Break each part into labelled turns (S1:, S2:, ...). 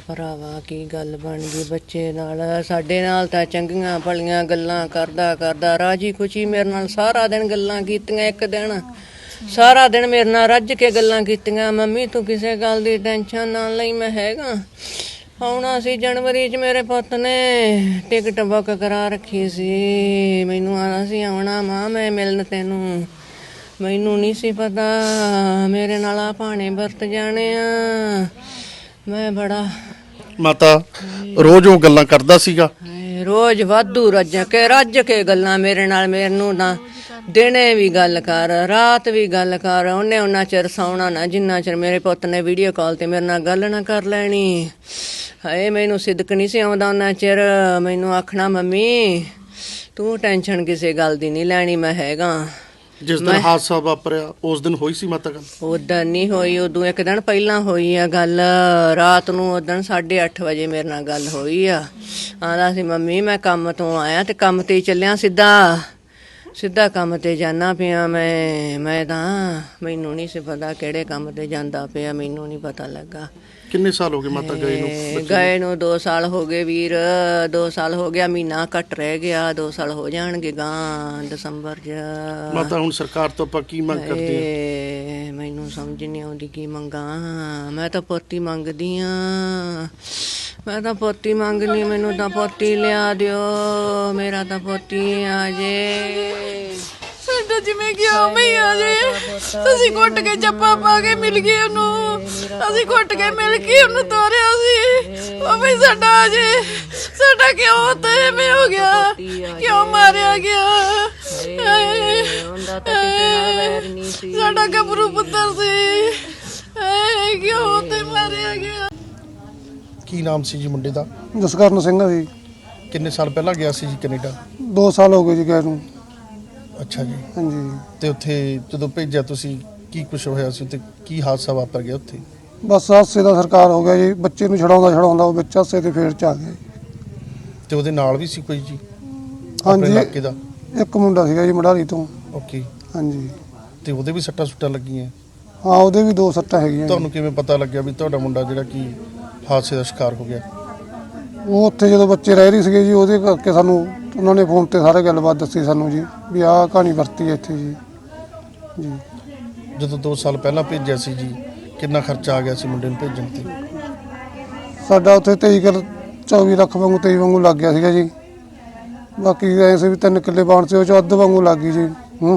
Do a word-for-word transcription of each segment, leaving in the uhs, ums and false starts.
S1: ਭਰਾਵਾ ਕੀ ਗੱਲ ਬਣ ਗਈ ਬੱਚੇ ਨਾਲ। ਸਾਡੇ ਨਾਲ ਤਾਂ ਚੰਗੀਆਂ ਭਲੀਆਂ ਗੱਲਾਂ ਕਰਦਾ ਕਰਦਾ ਰਾਜੀ ਖੁਸ਼ੀ ਮੇਰੇ ਨਾਲ ਸਾਰਾ ਦਿਨ ਗੱਲਾਂ ਕੀਤੀਆਂ। ਇੱਕ ਦਿਨ ਸਾਰਾ ਦਿਨ ਮੇਰੇ ਨਾਲ ਰੱਜ ਕੇ ਗੱਲਾਂ ਕੀਤੀਆਂ। ਮੰਮੀ ਤੂੰ ਕਿਸੇ ਗੱਲ ਦੀ ਟੈਨਸ਼ਨ ਨਾ ਲਈ, ਮੈਂ ਹੈਗਾ। ਆਉਣਾ ਸੀ ਜਨਵਰੀ 'ਚ ਮੇਰੇ ਪੁੱਤ ਨੇ ਟਿਕਟ ਬੁੱਕ ਕਰਾ ਰੱਖੀ ਸੀ। ਮੈਨੂੰ ਆਉਣਾ ਸੀ, ਆਉਣਾ ਮਾਂ ਮੈਂ ਮਿਲਣ ਤੈਨੂੰ। ਮੈਨੂੰ ਨਹੀਂ ਸੀ ਪਤਾ ਮੇਰੇ ਨਾਲ ਆ ਭਾਣੇ ਵਰਤ ਜਾਣੇ ਆ। ਮੈਂ ਬੜਾ
S2: ਮਾਤਾ ਰੋਜ਼ ਉਹ ਗੱਲਾਂ ਕਰਦਾ ਸੀਗਾ,
S1: ਰੋਜ਼ ਵਾਧੂ ਰੱਜ ਕੇ ਰੱਜ ਕੇ ਗੱਲਾਂ ਮੇਰੇ ਨਾਲ। ਮੈਨੂੰ ਤਾਂ ਦਿਨੇ ਵੀ ਗੱਲ ਕਰ, ਰਾਤ ਵੀ ਗੱਲ ਕਰ। ਉਹਨੇ ਉਹਨਾਂ ਚਿਰ ਸੌਣਾ ਨਾ ਜਿੰਨਾ ਚਿਰ ਮੇਰੇ ਪੁੱਤ ਨੇ ਵੀਡੀਓ ਕਾਲ ਤੇ ਮੇਰੇ ਨਾਲ ਗੱਲ ਨਾ ਕਰ ਲੈਣੀ। ਹਾਏ ਮੈਨੂੰ ਸਿਦਕ ਨਹੀਂ ਸੀ ਆਉਂਦਾ ਉਹਨਾਂ ਚਿਰ। ਮੈਨੂੰ ਆਖਣਾ ਮੰਮੀ ਤੂੰ ਟੈਨਸ਼ਨ ਕਿਸੇ ਗੱਲ ਦੀ ਨਹੀਂ ਲੈਣੀ, ਮੈਂ ਹੈਗਾ।
S2: ਜਿਸ ਦਿਨ ਹਾਦਸਾ ਵਾਪਰਿਆ ਉਸ ਦਿਨ ਹੋਈ ਸੀ ਮਾਤਾ ਗੱਲ?
S1: ਉਦੋਂ ਨਹੀਂ ਹੋਈ, ਉਦੋਂ ਇੱਕ ਦਿਨ ਪਹਿਲਾਂ ਹੋਈ ਆ ਗੱਲ। ਰਾਤ ਨੂੰ ਉਦੋਂ ਸਾਢੇ ਅੱਠ ਵਜੇ ਮੇਰੇ ਨਾਲ ਗੱਲ ਹੋਈ ਆ। ਆਂਦਾ ਸੀ ਮੰਮੀ ਮੈਂ ਕੰਮ ਤੋਂ ਆਇਆ ਤੇ ਕੰਮ ਤੇ ਹੀ ਚੱਲਿਆ, ਸਿੱਧਾ ਸਿੱਧਾ ਕੰਮ ਤੇ ਜਾਣਾ ਪਿਆ ਮੈਂ। ਮੈਂ ਤਾਂ ਮੈਨੂੰ ਨਹੀਂ ਸੀ ਪਤਾ ਕਿਹੜੇ ਕੰਮ ਤੇ ਜਾਂਦਾ ਪਿਆ, ਮੈਨੂੰ ਨਹੀਂ ਪਤਾ ਲੱਗਾ।
S2: ਕਿੰਨੇ ਸਾਲ ਹੋ ਗਏ ਮਾਤਾ ਗਏ ਨੂੰ?
S1: ਗਏ ਨੂੰ ਦੋ ਸਾਲ ਹੋ ਗਏ ਵੀਰ, ਦੋ ਸਾਲ ਹੋ ਗਿਆ। ਮਹੀਨਾ ਘੱਟ ਰਹਿ ਗਿਆ, ਦੋ ਸਾਲ ਹੋ ਜਾਣਗੇ ਗਾਂ ਦਸੰਬਰ 'ਚ।
S2: ਮਾਤਾ ਹੁਣ ਸਰਕਾਰ ਤੋਂ ਆਪਾਂ ਕੀ ਮੰਗ ਕਰਦੇ
S1: ਹਾਂ? ਮੈਨੂੰ ਸਮਝ ਨਹੀਂ ਆਉਂਦੀ ਕੀ ਮੰਗਾਂ। ਮੈਂ ਤਾਂ ਪੋਤੀ ਮੰਗਦੀ ਆ, ਮੈਂ ਤਾਂ ਪੋਤੀ ਮੰਗਣੀ। ਮੈਨੂੰ ਤਾਂ ਪੋਤੀ ਲਿਆ ਦਿਓ, ਮੇਰਾ ਤਾਂ ਪੋਤੀ ਆ ਜੇ।
S3: ਸਾਡਾ ਜਿਵੇਂ ਕਿ ਉਵੇਂ ਹੀ ਆ ਜੇ। ਅਸੀਂ ਘੁੱਟ ਕੇ ਜੱਪਾ ਪਾ ਕੇ ਮਿਲ ਗਏ ਉਹਨੂੰ, ਅਸੀਂ ਘੁੱਟ ਕੇ ਮਿਲ ਕੇ ਉਹਨੂੰ ਤੋਰਿਆ ਸੀ। ਉਵੇਂ ਹੀ ਸਾਡਾ ਆ ਜੇ। ਸਾਡਾ ਕਿਉਂ ਤਾਂ ਐਵੇਂ ਹੋ ਗਿਆ, ਕਿਉਂ ਮਾਰਿਆ ਗਿਆ? ਸਾਡਾ ਗੱਭਰੂ ਪੁੱਤਰ ਸੀ, ਕਿਉਂ ਤੇ ਮਾਰਿਆ ਗਿਆ?
S2: ਕੀ ਨਾਮ ਸੀ ਜੀ ਮੁੰਡੇ ਦਾ?
S4: ਜਸਕਰਨ ਸਿੰਘ ਆ ਜੀ।
S2: ਕਿੰਨੇ ਸਾਲ ਪਹਿਲਾਂ ਗਿਆ ਸੀ ਜੀ ਕੈਨੇਡਾ?
S4: ਦੋ ਸਾਲ ਹੋ ਗਏ ਜੀ ਗਏ ਨੂੰ।
S2: ਅੱਛਾ ਜੀ।
S4: ਹਾਂਜੀ।
S2: ਤੇ ਉੱਥੇ ਜਦੋਂ ਭੇਜਿਆ ਤੁਸੀਂ ਕੀ ਕੁਛ ਹੋਇਆ ਸੀ ਤੇ ਕੀ ਹਾਦਸਾ ਵਾਪਰ ਗਿਆ ਉੱਥੇ?
S4: ਬਸ ਹਾਦਸੇ ਦਾ ਸਰਕਾਰ ਹੋ ਗਿਆ ਜੀ। ਬੱਚੇ ਨੂੰ ਛਡਾਉਂਦਾ ਛਡਾਉਂਦਾ ਉਹ ਵਿੱਚ ਹਾਦਸੇ ਦੇ ਫੇਰ ਚ ਆ ਗਿਆ ਜੀ।
S2: ਤੇ ਉਹਦੇ ਨਾਲ ਵੀ ਸੀ ਕੋਈ ਜੀ?
S4: ਹਾਂਜੀ
S2: ਇਲਾਕੇ ਦਾ
S4: ਇੱਕ ਮੁੰਡਾ ਸੀਗਾ ਜੀ ਮੜਾਲੀ ਤੋਂ।
S2: ਓਕੇ।
S4: ਹਾਂਜੀ।
S2: ਤੇ ਉਹਦੇ ਵੀ ਸੱਟਾਂ ਸੁੱਟਾਂ ਲੱਗੀਆਂ?
S4: ਹਾਂ ਉਹਦੇ ਵੀ ਦੋ ਸੱਟਾਂ ਹੈਗੀਆਂ।
S2: ਤੁਹਾਨੂੰ ਕਿਵੇਂ ਪਤਾ ਲੱਗਿਆ ਵੀ ਤੁਹਾਡਾ ਮੁੰਡਾ ਜਿਹੜਾ ਕਿ ਹਾਦਸੇ ਦਾ ਸ਼ਿਕਾਰ ਹੋ ਗਿਆ?
S4: ਉਹ ਉੱਥੇ ਜਦੋਂ ਬੱਚੇ ਰਹਿ ਰਹੀ ਸੀਗੇ ਜੀ, ਉਹਦੇ ਕਰਕੇ ਸਾਨੂੰ ਉਹਨਾਂ ਨੇ ਫੋਨ ਤੇ ਸਾਰੇ ਗੱਲਬਾਤ ਦੱਸੀ ਸਾਨੂੰ ਜੀ ਵੀ ਆਹ ਕਹਾਣੀ ਵਰਤੀ ਹੈ ਇੱਥੇ ਜੀ। ਜੀ
S2: ਜਦੋਂ ਦੋ ਸਾਲ ਪਹਿਲਾਂ ਭੇਜਿਆ ਸੀ ਜੀ ਕਿੰਨਾ ਖਰਚਾ ਆ ਗਿਆ ਸੀ ਮੁੰਡੇ ਨੂੰ ਭੇਜਣ ਤੇ?
S4: ਸਾਡਾ ਉੱਥੇ ਤੇਈ ਕਿੱਲ ਚੌਵੀ ਲੱਖ ਵਾਂਗੂ ਤੇਈ ਵਾਂਗੂ ਲੱਗ ਗਿਆ ਸੀਗਾ ਜੀ। ਬਾਕੀ ਐ ਸੀ ਵੀ ਤਿੰਨ ਕਿੱਲੇ ਬਾਣ ਸੀ, ਉਹ 'ਚ ਅੱਧ ਵਾਂਗੂ ਲੱਗ ਗਈ ਜੀ। ਹੂੰ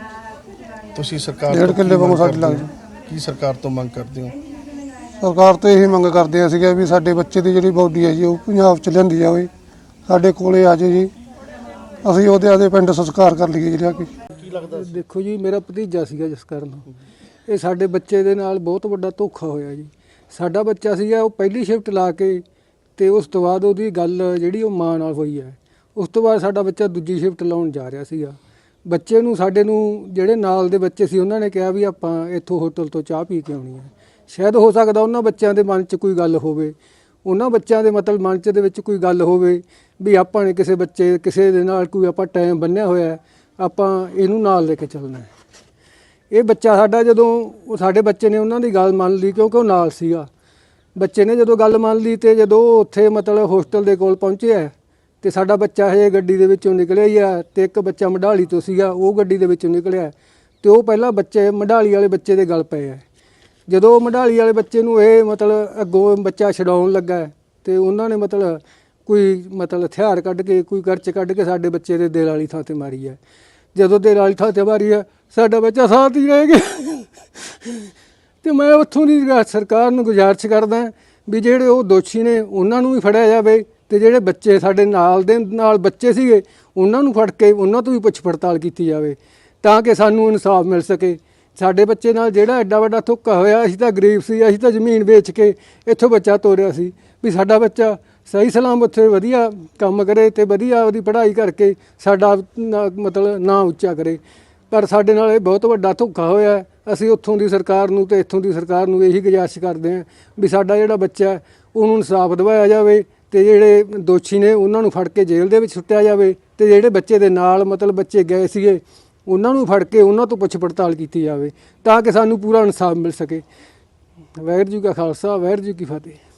S2: ਤੁਸੀਂ ਸਰਕਾਰ
S4: ਡੇਢ ਕਿੱਲੇ ਵਾਂਗੂ ਸਾਡੇ ਲੱਗ ਗਏ।
S2: ਕੀ ਸਰਕਾਰ ਤੋਂ ਮੰਗ ਕਰਦੇ ਹੋ?
S4: ਸਰਕਾਰ ਤੋਂ ਇਹੀ ਮੰਗ ਕਰਦੇ ਆ ਸੀਗਾ ਵੀ ਸਾਡੇ ਬੱਚੇ ਦੀ ਜਿਹੜੀ ਬੋਡੀ ਹੈ ਜੀ ਉਹ ਪੰਜਾਬ 'ਚ ਲਿਆਂਦੀ ਜਾਵੇ, ਸਾਡੇ ਕੋਲੇ ਆ ਜਾਏ ਜੀ, ਅਸੀਂ ਉਹਦੇ ਆਦੇ ਪਿੰਡ ਸੰਸਕਾਰ ਕਰ ਲਈਏ ਜਿਹੜਾ ਕਿ।
S2: ਕੀ ਲੱਗਦਾ?
S5: ਦੇਖੋ ਜੀ ਮੇਰਾ ਭਤੀਜਾ ਸੀਗਾ ਜਸਕਰਨ, ਇਹ ਸਾਡੇ ਬੱਚੇ ਦੇ ਨਾਲ ਬਹੁਤ ਵੱਡਾ ਧੋਖਾ ਹੋਇਆ ਜੀ। ਸਾਡਾ ਬੱਚਾ ਸੀਗਾ ਉਹ ਪਹਿਲੀ ਸ਼ਿਫਟ ਲਾ ਕੇ ਤੇ ਉਸ ਤੋਂ ਬਾਅਦ ਉਹਦੀ ਗੱਲ ਜਿਹੜੀ ਉਹ ਮਾਂ ਨਾਲ ਹੋਈ ਹੈ। ਉਸ ਤੋਂ ਬਾਅਦ ਸਾਡਾ ਬੱਚਾ ਦੂਜੀ ਸ਼ਿਫਟ ਲਾਉਣ ਜਾ ਰਿਹਾ ਸੀਗਾ। ਬੱਚੇ ਨੂੰ ਸਾਡੇ ਨੂੰ ਜਿਹੜੇ ਨਾਲ ਦੇ ਬੱਚੇ ਸੀ ਉਹਨਾਂ ਨੇ ਕਿਹਾ ਵੀ ਆਪਾਂ ਇੱਥੋਂ ਹੋਟਲ ਤੋਂ ਚਾਹ ਪੀ ਕੇ ਆਉਣੀ ਹੈ। ਸ਼ਾਇਦ ਹੋ ਸਕਦਾ ਉਹਨਾਂ ਬੱਚਿਆਂ ਦੇ ਮਨ 'ਚ ਕੋਈ ਗੱਲ ਹੋਵੇ, ਉਹਨਾਂ ਬੱਚਿਆਂ ਦੇ ਮਤਲਬ ਮਨ 'ਚ ਦੇ ਵਿੱਚ ਕੋਈ ਗੱਲ ਹੋਵੇ ਵੀ ਆਪਾਂ ਨੇ ਕਿਸੇ ਬੱਚੇ ਕਿਸੇ ਦੇ ਨਾਲ ਕੋਈ ਆਪਾਂ ਟਾਈਮ ਬੰਨਿਆ ਹੋਇਆ, ਆਪਾਂ ਇਹਨੂੰ ਨਾਲ ਲੈ ਕੇ ਚੱਲਣਾ ਹੈ। ਇਹ ਬੱਚਾ ਸਾਡਾ ਜਦੋਂ ਉਹ ਸਾਡੇ ਬੱਚੇ ਨੇ ਉਹਨਾਂ ਦੀ ਗੱਲ ਮੰਨ ਲਈ ਕਿਉਂਕਿ ਉਹ ਨਾਲ ਸੀਗਾ। ਬੱਚੇ ਨੇ ਜਦੋਂ ਗੱਲ ਮੰਨ ਲਈ ਅਤੇ ਜਦੋਂ ਉੱਥੇ ਮਤਲਬ ਹੋਸਟਲ ਦੇ ਕੋਲ ਪਹੁੰਚਿਆ ਅਤੇ ਸਾਡਾ ਬੱਚਾ ਹਜੇ ਗੱਡੀ ਦੇ ਵਿੱਚੋਂ ਨਿਕਲਿਆ ਹੀ ਆ ਅਤੇ ਇੱਕ ਬੱਚਾ ਮਢਾਲੀ ਤੋਂ ਸੀਗਾ ਉਹ ਗੱਡੀ ਦੇ ਵਿੱਚੋਂ ਨਿਕਲਿਆ ਅਤੇ ਉਹ ਪਹਿਲਾਂ ਬੱਚੇ ਮਢਾਲੀ ਵਾਲੇ ਬੱਚੇ ਦੇ ਗੱਲ ਪਏ ਹੈ। ਜਦੋਂ ਮਢਾਲੀ ਵਾਲੇ ਬੱਚੇ ਨੂੰ ਇਹ ਮਤਲਬ ਅੱਗੋਂ ਬੱਚਾ ਛਡਾਉਣ ਲੱਗਾ ਅਤੇ ਉਹਨਾਂ ਨੇ ਮਤਲਬ ਕੋਈ ਮਤਲਬ ਹਥਿਆਰ ਕੱਢ ਕੇ ਕੋਈ ਕਰਚ ਕੱਢ ਕੇ ਸਾਡੇ ਬੱਚੇ ਦੇ ਦਿਲ ਵਾਲੀ ਥਾਂ 'ਤੇ ਮਾਰੀ ਹੈ। ਜਦੋਂ ਦਿਲ ਵਾਲੀ ਥਾਂ 'ਤੇ ਮਾਰੀ ਹੈ ਸਾਡਾ ਬੱਚਾ ਸਾਥ ਹੀ ਰਹਿ ਗਿਆ। ਅਤੇ ਮੈਂ ਉੱਥੋਂ ਦੀ ਸਰਕਾਰ ਨੂੰ ਗੁਜ਼ਾਰਿਸ਼ ਕਰਦਾ ਵੀ ਜਿਹੜੇ ਉਹ ਦੋਸ਼ੀ ਨੇ ਉਹਨਾਂ ਨੂੰ ਵੀ ਫੜਿਆ ਜਾਵੇ ਅਤੇ ਜਿਹੜੇ ਬੱਚੇ ਸਾਡੇ ਨਾਲ ਦੇ ਨਾਲ ਬੱਚੇ ਸੀਗੇ ਉਹਨਾਂ ਨੂੰ ਫੜ ਕੇ ਉਹਨਾਂ ਤੋਂ ਵੀ ਪੁੱਛ ਪੜਤਾਲ ਕੀਤੀ ਜਾਵੇ ਤਾਂ ਕਿ ਸਾਨੂੰ ਇਨਸਾਫ ਮਿਲ ਸਕੇ। ਸਾਡੇ ਬੱਚੇ ਨਾਲ ਜਿਹੜਾ ਐਡਾ ਵੱਡਾ ਧੋਖਾ ਹੋਇਆ, ਅਸੀਂ ਤਾਂ ਗਰੀਬ ਸੀ, ਅਸੀਂ ਤਾਂ ਜ਼ਮੀਨ ਵੇਚ ਕੇ ਇੱਥੋਂ ਬੱਚਾ ਤੋਰਿਆ ਸੀ ਵੀ ਸਾਡਾ ਬੱਚਾ ਸਹੀ ਸਲਾਮ ਉੱਥੇ ਵਧੀਆ ਕੰਮ ਕਰੇ ਅਤੇ ਵਧੀਆ ਉਹਦੀ ਪੜ੍ਹਾਈ ਕਰਕੇ ਸਾਡਾ ਮਤਲਬ ਨਾਂ ਉੱਚਾ ਕਰੇ। ਪਰ ਸਾਡੇ ਨਾਲ ਇਹ ਬਹੁਤ ਵੱਡਾ ਧੋਖਾ ਹੋਇਆ। ਅਸੀਂ ਉੱਥੋਂ ਦੀ ਸਰਕਾਰ ਨੂੰ ਅਤੇ ਇੱਥੋਂ ਦੀ ਸਰਕਾਰ ਨੂੰ ਇਹੀ ਗੁਜ਼ਾਰਿਸ਼ ਕਰਦੇ ਹਾਂ ਵੀ ਸਾਡਾ ਜਿਹੜਾ ਬੱਚਾ ਉਹਨੂੰ ਇਨਸਾਫ ਦਿਵਾਇਆ ਜਾਵੇ ਅਤੇ ਜਿਹੜੇ ਦੋਸ਼ੀ ਨੇ ਉਹਨਾਂ ਨੂੰ ਫੜ ਕੇ ਜੇਲ੍ਹ ਦੇ ਵਿੱਚ ਸੁੱਟਿਆ ਜਾਵੇ ਅਤੇ ਜਿਹੜੇ ਬੱਚੇ ਦੇ ਨਾਲ ਮਤਲਬ ਬੱਚੇ ਗਏ ਸੀਗੇ ਉਹਨਾਂ ਨੂੰ ਫੜ ਕੇ ਉਹਨਾਂ ਤੋਂ ਪੁੱਛ ਪੜਤਾਲ ਕੀਤੀ ਜਾਵੇ ਤਾਂ ਕਿ ਸਾਨੂੰ ਪੂਰਾ ਇਨਸਾਫ ਮਿਲ ਸਕੇ। ਵਾਹਿਗੁਰੂ ਜੀ ਕਾ ਖਾਲਸਾ, ਵਾਹਿਗੁਰੂ ਜੀ ਕੀ ਫਤਿਹ।